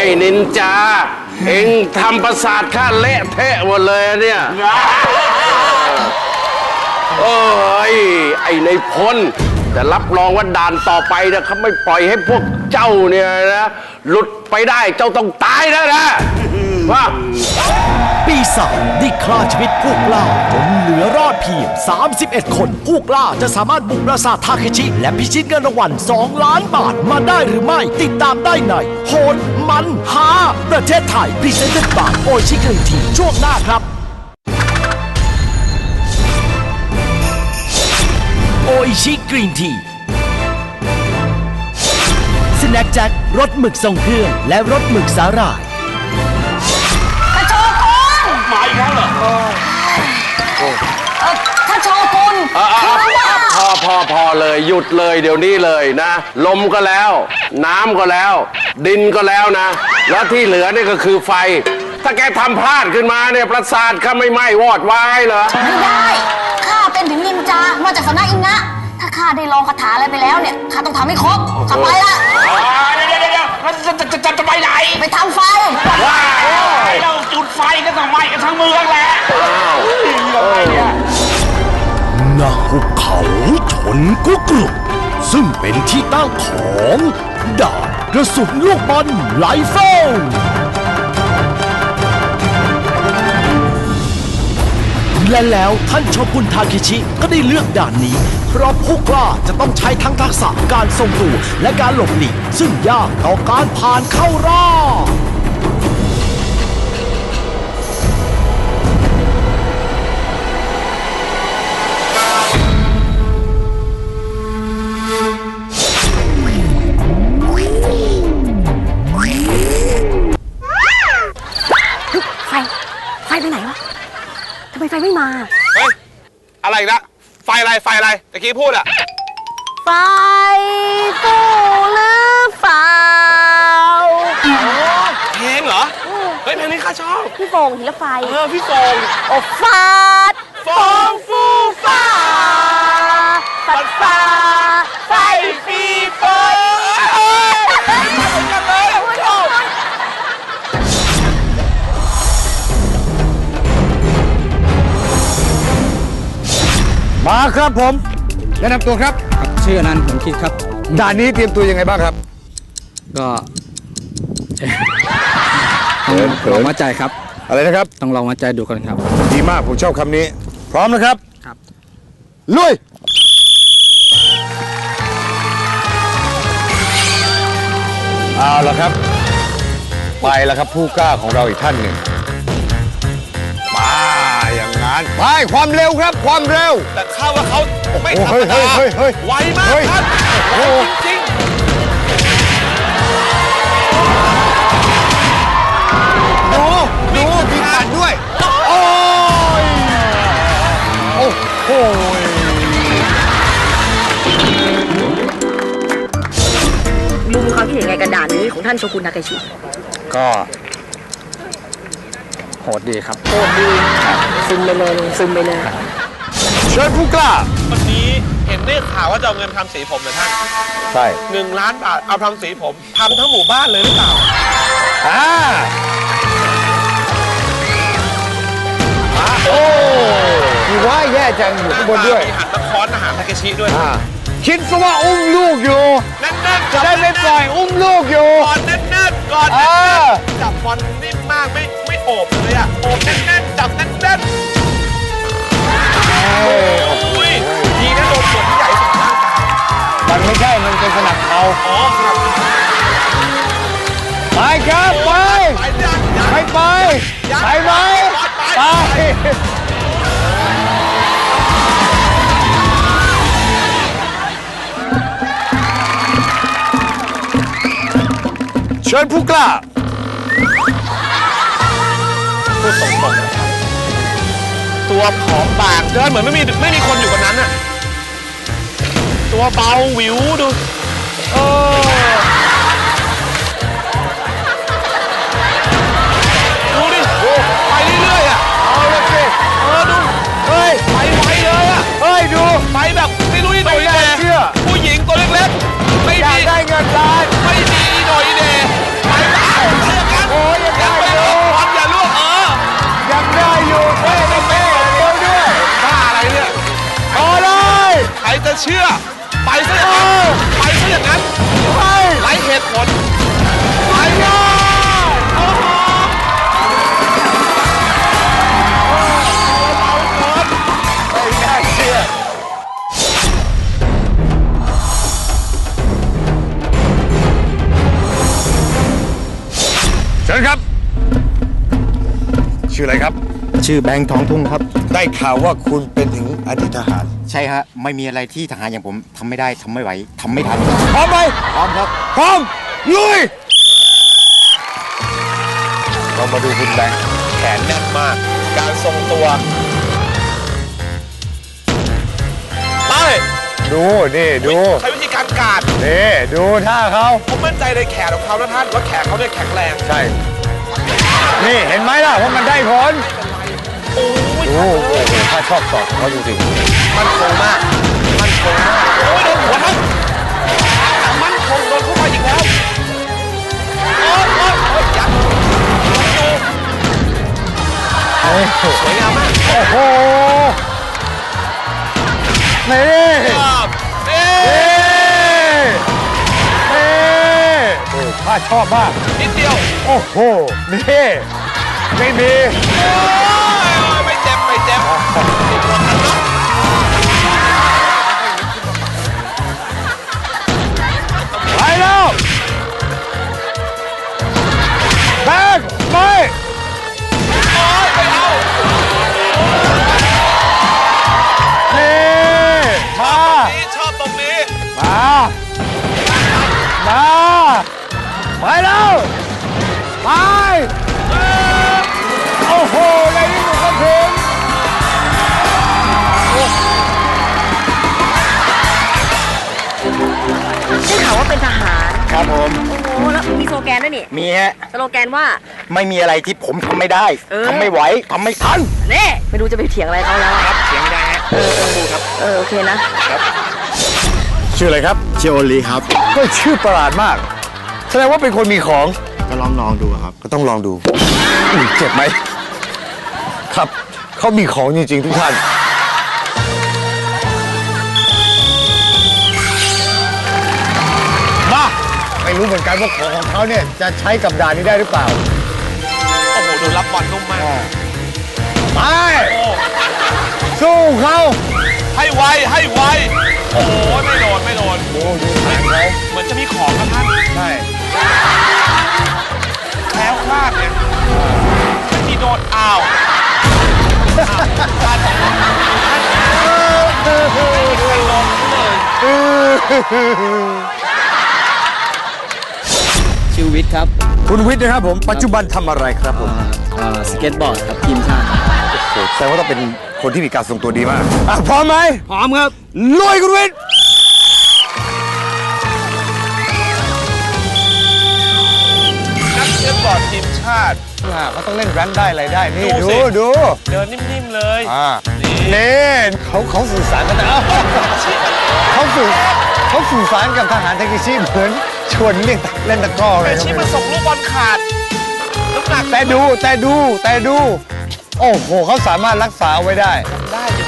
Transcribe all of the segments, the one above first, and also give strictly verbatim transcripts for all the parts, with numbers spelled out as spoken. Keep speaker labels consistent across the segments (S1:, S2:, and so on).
S1: นินจาเอ็งทำประสาทข้าเละเทะหมดเลยเนี่ยเอ้ยไอ้ในพลแต่รับรองว่าด่านต่อไปนะเขาไม่ปล่อยให้พวกเจ้าเนี่ยนะหลุดไปได้เจ้าต้องตายนะนะว่า
S2: ปีศาจได้ฆ่าชีวิตผู้กล้าจนเหลือรอดเพียงสามสิบเอ็ดคนผู้กล้าจะสามารถบุกปราสาททาเคชิและพิชิตเงินรางวัลสองล้านบาทมาได้หรือไม่ติดตามได้ในโหดมันหาประเทศไทยพรีเซนต์บายโอชิกรีนทีช่วงหน้าครับโออิชิกรีนทีสแน็คแจ็ครสหมึกทรงเครื่องและรสหมึกสาหร่าย
S3: ท่านโชกุน
S4: มาอีกแล้วเหรอ
S3: ท่านโชกุน
S1: พอพอพอเลยหยุดเลยเดี๋ยวนี้เลยนะลมก็แล้วน้ำก็แล้วดินก็แล้วนะแล้วที่เหลือนี่ก็คือไฟถ้าแกทำพลาดขึ้นมาเนี่ยปราสาทข้าไม่ไหม้วอดวายเหรอ
S3: ไม่ได้ข้าเป็นถึงนินจามาจากสำนักอิงะถ้าข้าได้ลองคาถาอะไรไปแล้วเนี่ยข้าต้องทำให้ครบข้าไปละ
S4: เดี๋ยวเดี๋ยวเดี๋ยวจะจะจะจะไปไหน
S3: ไปทำไฟ
S4: ว้าวเราจุดไฟก็ต้องไหม้กันทั้งเมืองแหละ
S2: ณหุบเขาชนกุกรุซึ่งเป็นที่ตั้งของด่านกระสุนลูกบอลไลเฟิลและแล้วท่านโชกุนทาเคชิก็ได้เลือกด่านนี้เพราะผู้กล้าจะต้องใช้ทั้งทักษะการทรงตัวและการหลบหลีกซึ่งยากต่อการผ่านเข้ารอบ
S3: ไฟไฟไปไหนวะทำไมไฟไม่มา
S4: เฮ้ยอะไรนะไฟอะไรไฟอะไรตะกี้พูดอะ
S3: ไฟตู้หรือเปล่า
S4: เพลงเหรอเฮ้ยเพลงนี้ข้าชอบ
S3: พี่โฟงศิลปไฟ
S4: เออพี่โฟง
S3: โอ้ฟาด
S4: โฟงฟูฟ้า
S3: ปัดฟ้าไฟฟีเฟิร์
S5: มาครับผมแนะนำตัวครับ
S6: ชื่ออนันต์ผมคิดครับ
S5: ด่านนี้เตรียมตัวยังไงบ้างครับ
S6: ก็ต้องลองวัดใจครับ
S5: อะไรนะครับ
S6: ต้องลองวัดใจดูก่อนครับ
S5: ดีมากผมชอบคำนี้พร้อมนะครับ
S6: ครับ
S5: ลุยเอาละครับไปแล้วครับผู้กล้าของเราอีกท่านหนึ่งมาอย่างนั้นไปความเร็วครับความเร็ว
S4: แต่ข้าว่าเขาไม่ธรรมดาไวมากครับจริง
S5: ๆดูดูมีขันด้วยโอ้ยโอ้โห
S3: ลุงมีความคิดเห็นไงกับด่านนี้ของท่านโชกุนทาเคชิ
S6: ก็โหดดีครับ
S3: โหดดีซึมไปเลยซึมไปเลย
S5: เชิญผู้กล้า
S4: วันนี้เห็นได้ข่าวว่าจะเอาเงินทำสีผมเลยท่าน
S5: ใช่
S4: หนึ่งล้านบาทเอาทำสีผมทำทั้งหมู่บ้านเลยหรือเปล่า
S5: อ่าโอ้มีว่าแย่จังอยู่ข้างบนด้วย
S4: มีหันตะค้อนอาหารทาเคชิด้วย
S5: คิดซะว่าอุ้มลูกอยู่
S4: แน่นๆ
S5: จะได้ไม่ปล่อยอุ้มลูกอยู่
S4: ก่อนแน่นๆก่อนแน่นๆจับบอลนิ่มมากไม่ไม่โอบเลยอะโอบแน่นๆจับแน่นๆโอ้ยดีนะโดนส่วนที่ใหญ่สุดร่างกาย
S5: มันไม่ใช่มันเป็นสนับเขา
S4: อ๋อสนับ
S5: ไปครับไปไปไปไปไหมไปเชิญผู้กล้า
S4: พูดตรงๆตัวผอมบางเดินเหมือนไม่มีไม่มีคนอยู่บนนั้นน่ะตัวเบาหวิวดูเออดูดิไปเรื่อยๆอ่ะ
S5: เอาละสิ
S4: เออดู
S5: เฮ้ย
S4: ไปไวเลยอ่ะ
S5: เฮ้ยดู
S4: ไปแบบไม่รู้อีโหน่อยแน่ผู้หญิงตัวเล็กๆไม่
S5: อยากได้เงินล้าน
S4: ไม่ดีอีโหน่อยแน่ไปได้เชื่อ ไปซะอย่างนั้นไปซะอย่างนั้นไร้เหตุผลไปเลยโอ้โหไม่น่าเชื่อ
S5: เชิญครับ ชื่ออะไรครับ
S7: ชื่อแบงค์ทองทุ่งครับ
S5: ได้ข่าวว่าคุณเป็นถึงอดีตทหาร
S7: ใช่ฮะ ไม่มีอะไรที่ทหารอย่างผมทำไม่ได้ทำไม่ไหวทำไม่ทัน
S5: พร้อมไหม
S7: พร้อมครับ
S5: พร้อม ลุย เรามาดูคุณแบงค์
S4: แขนแน่นมาก การทรงตัว ไป
S5: ดู นี่ ดู
S4: ใช้วิธีการการ
S5: นี่ ดูท่าเขา
S4: ผมมั่นใจในแขนของเขานะท่านว่าแขนเขาเนี่ยแข็งแรง
S5: ใช่ นี่เห็นไหมล่ะว่ามันได้ผล
S4: โอ้ย
S5: ดูโอ้โหถ้าชอบสอดของเขาจริง
S4: มันคงมาก มันคงมาก โอ้ยโดนหัวท่านมันคงโดนเข้าไปอีกแล้วโอ้ยโอ้ยโอ้ยยัดดู
S5: ๆเฮ้ย
S4: สวยงามมาก
S5: โอ้โห นี่
S4: ครับเอ๊
S5: นี่
S4: ะ
S5: นี่โอ้ข้าชอบมาก
S4: นิดเดียว
S5: โอ้โห นี่ ไม่มี
S4: โอ้ยไม่เจ็บ ไม่เจ็บติดหัวกันเนาะ
S5: ไปแล้วแบกไป
S4: โอ้ยไม่เอา
S5: นี่มา
S4: นี่ชอบตรงนี้
S5: มา มา ไปแล้วไป โอ้โหในที่สุดก็ถึง
S3: ได้ข่าวว่าเป็นทหาร
S7: ครับผม
S3: โอ้โห แล้วมีสโลแกนด้วยนี่
S7: มีฮะ
S3: สโลแกนว่า
S7: ไม่มีอะไรที่ผมทำไม่ได้
S3: เออ
S7: ทำไม่ไหวทำไม่ทัน
S3: เน่ไม่รู้จะไปเถียงอะไรเขาแล้วอะ
S7: เสียงไม่ได้ฮะต้องดูครับ
S3: เออ โอเคนะ
S5: ชื่ออะไรครับ
S7: ชื่อโอลีครับ
S5: ก็ชื่อประหลาดมาก แสดงว่าเป็นคนมีของ
S7: ก็ลองลองดูครับ
S5: ก็ต้องลองดูอุ๊ยเจ็บไหม ครับ เขามีของจริง ๆ ทุกท่าน มา ไม่รู้เหมือนกันว่าของของเขาเนี่ย จะใช้กับด่านนี้ได้หรือเปล่า
S4: โอ้โห ดูรับบอลนุ่มมาก
S5: ไป
S4: โอ้
S5: สู้เขา
S4: ให้ไว ให้ไว โอ้โห ไม่โดน ไม่โดน
S5: โอ้ดูทางเขา
S4: เหมือนจะมีของนะท่าน
S5: ใช่
S4: แคล้วคลาดเนี่ยที่โดนอ้าวอ้าวท่านท่านไม่ลงเลย
S6: ชื่อวิทย์ครับ
S5: คุณวิทย์นะครับผม ปัจจุบันทำอะไรครับผม
S6: อ่าอ่าสเก็ตบอร์ดครับทีมชาติ
S5: โอ้โหแสดงว่าต้องเป็นคนที่มีการทรงตัวดีมากอ่ะพร้อมไหม
S6: พร้อมครับ
S5: ลุยคุณวิทย์
S4: นักสเก็ตบอร์ดทีมชาติ
S5: อ่าเขาต้องเล่นแรนได้อะไรได้ นี่
S4: ดู
S5: ดู
S4: สิ
S5: ดู
S4: เดินนิ่มๆเลย
S5: อ่า
S4: นี่
S5: นี่เขาเขาสื่อสารกันนะเขาสื่อเขาสื่อสารกับทหารเทคนิชีเหมือนชวนเล่นเล่นตะกร้อเล
S4: แต่
S5: ย
S4: ชิมาส่งลูกบอลขาด น้ำหนัก
S5: แต่ดูแต่ดูแต่ดู โอ้โหเขาสามารถรักษาเอาไว้ได้
S4: ได้อยู่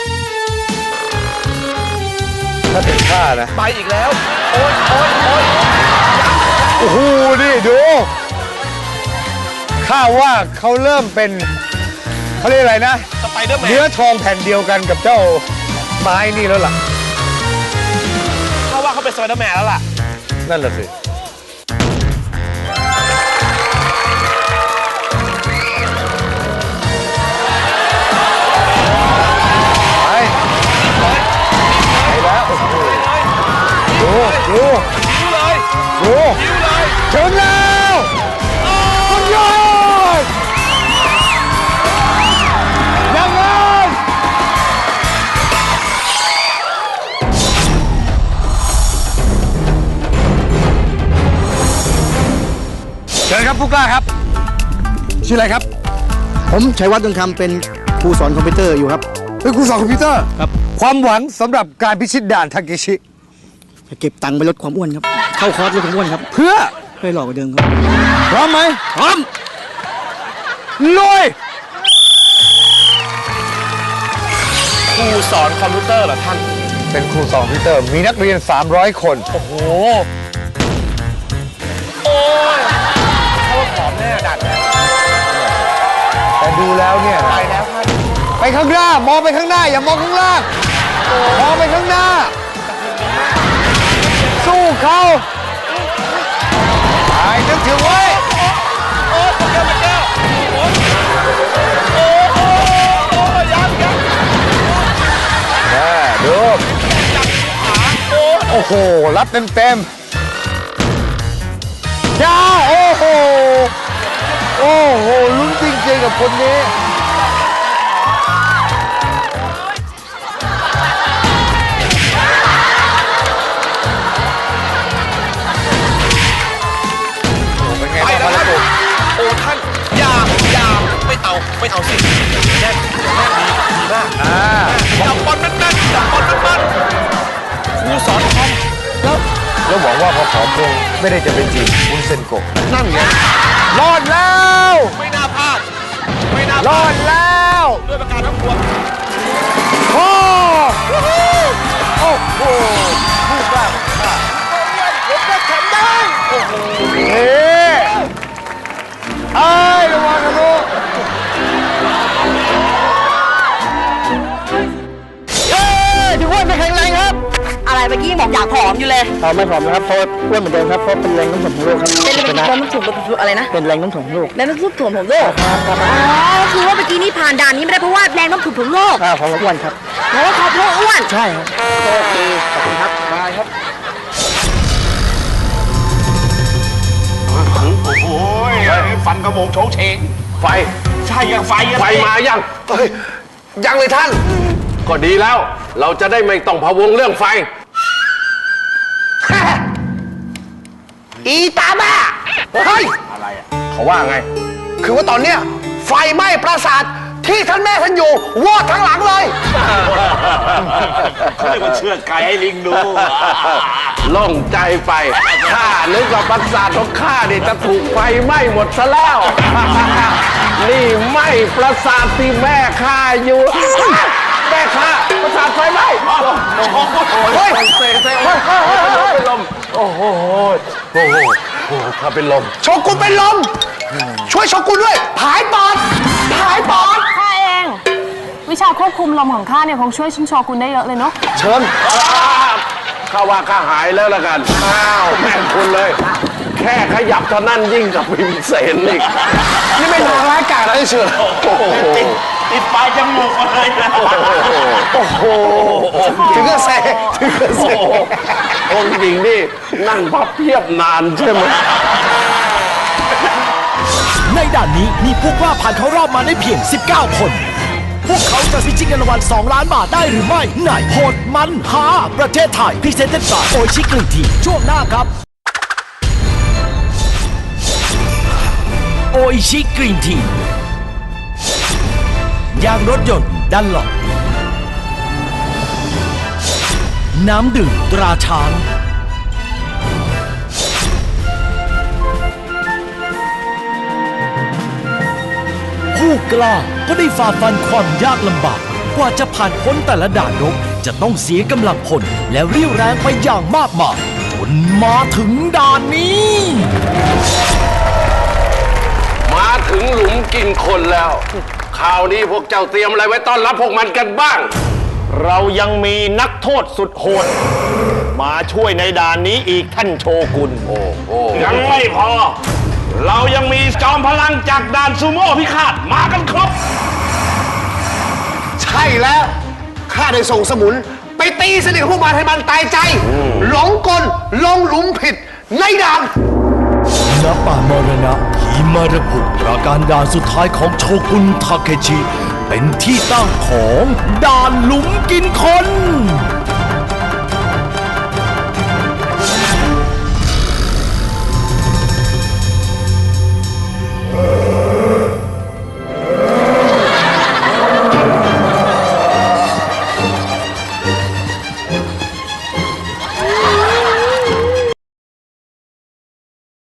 S5: ถ้าเป็นข้านะ
S4: ไปอีกแล้ว โอ๊ยโอ๊ยโอ๊ย
S5: โอ้โห นี่ดู ข้าว่าเขาเริ่มเป็น เขาเรียกอะไรนะ
S4: สไปเดอร์แม
S5: เนื้อน ทองแผ่นเดียวกันกับเจ้าไม้นี่แล้วล่ะ
S4: เขาว่าเขาเป็นสไปเดอร์แมนแล้วล่ะ
S5: นั่นแหละสิ ไป ไปแล้ว โอ้โหดู ดู
S4: ยิ้วเลย
S5: ดู
S4: ยิ้วเลย
S5: ถึงแล้วสุดยอดยังไงเชิญครับผู้กล้าครับ ชื่ออะไรครับ
S7: ผมชัยวัฒน์ดวงคำเป็นครูสอนคอมพิวเตอร์อยู่ครับ
S5: เป็นครูสอนคอมพิวเตอร์
S7: ครับ
S5: ความหวังสำหรับการพิชิตด่านทาเกชิ
S7: เก็บตังค์ไปลดความอ้วนครับ เข้าคอร์สลดความอ้วนครับ
S5: เพื่อ
S7: เพื่อหลอกกว่าเดิมครับ
S5: พร้อมไหม
S7: พร้อม
S5: ลุย
S4: ครูสอนคอมพิวเตอร์เหรอท่าน
S5: เป็นครูสอนพิเตอร์ มีนักเรียน สามร้อย คน
S4: โอ้โห โอ้ยเขาว่าผอมแน่ดัดแน่
S5: แต่ดูแล้วเนี่ย
S4: ไปแล้วท่าน
S5: ไปข้างหน้ามองไปข้างหน้า อย่ามองข้างล่างมองไปข้างหน้า สู้เขาไอ้นึกถึงไว้
S4: โอ้ยแก้วแก้วโอ้ยโอ้ยโอ้ยโอ้ยยังยัง
S5: แม่ดู
S4: จับขาโอ้ย
S5: โอ้โห รับเต็มเต็มๆจ้าโอ้โห โอ้โห ลุ้นจริงๆกับคนนี้ เป็นไง
S4: ไป
S5: บ้าง
S4: แล้ว
S5: ครับ
S4: ท่านโอ้ท่านอย่าอย่าไม่เอาไม่เอาสิแน่นแน่นดีดีมาก
S5: อ่า
S4: จับบอลแน่นๆจับบอลแน่นๆครูสอนคอมแล้ว
S5: แล้วหวังว่าพอผอมลงไม่ได้จะเป็นจีบวุ้นเซนโกะ
S4: นั่นไง
S5: รอดแล้ว
S4: ไม่น่าพลาดไม่น่าร พ
S5: อ
S4: ลา
S5: ด
S4: ด
S5: แล้ว
S4: ด้วยประการทั้งปวง
S5: โอ้โอ้โหพูดบ้าง
S4: ผมก็ทำได้โอ้โห
S5: เฮ้ไอ้ยระวังนะลูกเย้ถือว่าไม่แข็งแรงครับ
S3: อะไรเมื่อกี้บอกอยากผอมอยู่เลย
S6: เอาไม่ผอมนะครับเพราะอ้วนเหมือนเดิมครับเพราะเป็นแรงโน้มถ่วงของโลกครับ
S3: เป็นแรงโน้มถ่วงอะไรนะ
S6: เป็นแรงโน้มถ่วงของโลก
S3: แรงโน้มถ่วงของโลกอ๋อคือว่าเมื่อกี้นี่ผ่านด่านนี้ไม่ได้เพราะว่าแรงโน้มถ่วงของโลก
S6: อ่าของอ้วนครับ
S3: เพราะว่าเขาเพราะอ้วน
S6: ใช่ครับโอเคขอบคุณครับได้ครับ
S1: โอ้โหฟันกระโมงโฉงเฉงไฟ
S4: ใช่ยังไฟยัง
S1: ไฟมายังเฮ้ยยังเลยท่าน ก็ดีแล้ว เราจะได้ไม่ต้องพะวงเรื่องไฟ
S8: อีตาบ้า เฮ้ย
S1: อะไรอ่ะเขาว่าไง
S8: คือว่าตอนเนี้ยไฟไหม้ปราสาทที่ท่านแม่ท่านอยู่วอดทั้งหลังเลย
S4: เขาเรียกว่าเชือกไก่ให้ลิงดู
S1: โล่งใจไปข้านึกว่าปราสาทของข้านี่จะถูกไฟไหม้หมดซะแล้ว นี่ไหม้ปราสาทที่แม่ข้าอยู่ แม่ข้าปราสาทไฟไหม้เฮ้ยเซ่เซ่เฮ้ยเป็นลมโอ้โหโอ้โหโอ้โหข้าเป็นลม
S8: โชกุนเป็นลม ช่วยโชกุนด้วย ผายปอด ผายปอด
S9: ข้าเอง วิชาควบคุมลมของข้าเนี่ยคงช่วยชิงโชกุนได้เยอะเลยเนาะ
S1: เชิญข้าว่าข้าหายแล้วละกัน อ้าวแม่งคุณเลย แค่ขยับเท่านั้นยิ่งกับพิมเสนอีก
S8: นี่ไม่นางร้ายกาจอะไรเชื่อ
S1: โอ้โห
S4: ติดปลายจมูกมาเลยนะ
S1: โอ้โห
S8: ถึงก็เซถึงก็เซ
S1: โอ้โหองค์หญิงนี่นั่งพับเพียบนานใช่ไหม
S2: ในด่านนี้มีผู้กล้าผ่านเข้ารอบมาได้เพียง สิบเก้า คน พวกเขาจะพิชิตเงินรางวัลสองล้านบาทได้หรือไม่ในโหดมันหาประเทศไทยพรีเซนต์บายโอชิกรีนทีช่วงหน้าครับโอชิกรีนทียางรถยนต์ดันหลอดน้ำดื่มตราช้างผู้กล้าก็ได้ฝ่าฟันความยากลำบากกว่าจะผ่านพ้นแต่ละด่านรบจะต้องเสียกำลังพลและเรี่ยวแรงไปอย่างมากมายจนมาถึงด่านนี้
S1: มาถึงหลุมกินคนแล้วคราวนี้พวกเจ้าเตรียมอะไรไว้ต้อนรับพวกมันกันบ้าง
S4: เรายังมีนักโทษสุดโหด มาช่วยในด่านนี้อีกท่านโชกุน
S1: โอ้โห
S4: ยังไม่พอ เรายังมีจอมพลังจากด่านซูโม่พิฆาตมากันครบ
S8: ใช่แล้ว ข้าได้ส่งสมุน ไปตีสนิทพวกมันให้มันตายใจ หลงกล ลงหลุมผิด ในด่าน
S2: ณป่ามรณะหิมาระบุประการด่านสุดท้ายของโชกุนทาเคชิ เป็นที่ตั้งของด่านหลุมกินคน